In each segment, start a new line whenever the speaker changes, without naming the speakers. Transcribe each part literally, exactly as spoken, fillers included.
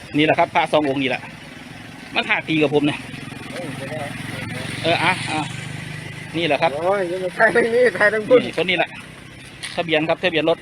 นี่แหละครับพระสององค์นี่แหละมันท่าตีกับผมเนี่ยเอออ่ะอ่ะนี่แหละครับ
โอ้ยยังไทยทั้งนี้ไทยทั้งพุ่น
คนนี้แหละทะเบียนครับทะเบียนรถ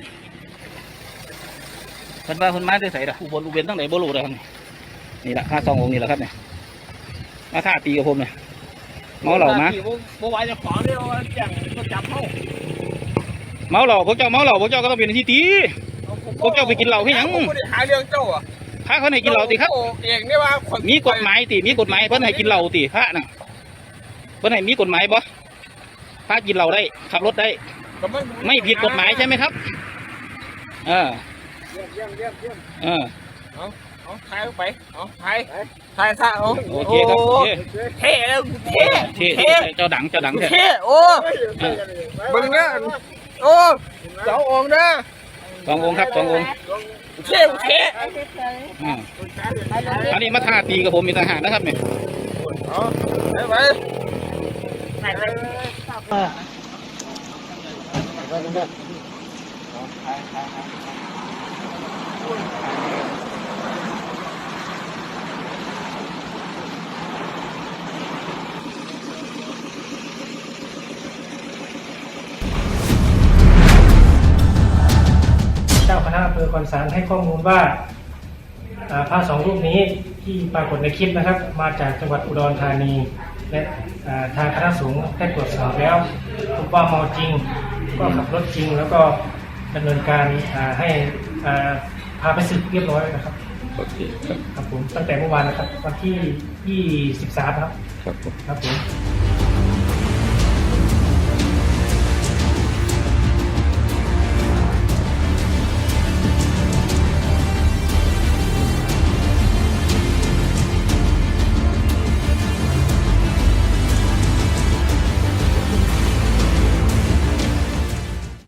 คนมาคนมาได้ใส่ละอุบลอุเบนตั้งไหนโบลูเลยครับนี่แหละพระสององค์นี่แหละครับเนี่ยมาท่าตีกับผมเนี่ยเมาเหล่ามา
เมื่อวานจะขอเรียกว่าแจ้งก็จับเขา
เมาเหล่าพวกเจ้าเมาเหล่าพวกเจ้าก็ต้องเป็นที่ตีพวกเจ้าไปกินเหล้าให้ยัง
หาเรื่องเจ้าอ่ะ
พระเขาให้กินเหล้าตีครับ
เองนี่ว่า
มีกฎหมายตีมีกฎหมายเพื่อนให้กินเหล้าตีพระน่ะเพื่อนให้มีกฎหมายบ่พระกินเหล้าได้ขับรถได้ไม่ผิดกฎหมายใช่ไหมครับเออ
เยี่ยมเยี่ยมเยี่ยมเยี่ยม
เออ
เอาเอาถ่ายไปเอาถ่ายถ่ายซะเอา
โอเคครับโอเค
เท่แล้วเท่
เท่เจ้าดังเจ้าดัง
เท่โอ้บึงเนี่ยโอ้สององค์นะ
สององค์ครับสององค์
เท่เท่
อันนี้มาท่าตีกับผมมีทหารนะครับเนี่ย
ไป
เจ้าคณะอำเภอคอนสารให้ข้อมูลว่าพระสองรูปนี้ที่ปรากฏในคลิปนะครับมาจากจังหวัดอุดรธานีและทางคณะสงฆ์ได้ตรวจสอบแล้วพบว่าเมาจริงก็ขับรถจริงแล้วก็ดำเนินการให้พาไปศึกเรียบร้อยนะครับ
โอเคครับ
ครับผมตั้งแต่เมื่อวานนะครับวันที่ยี่สิบสามครับครับผม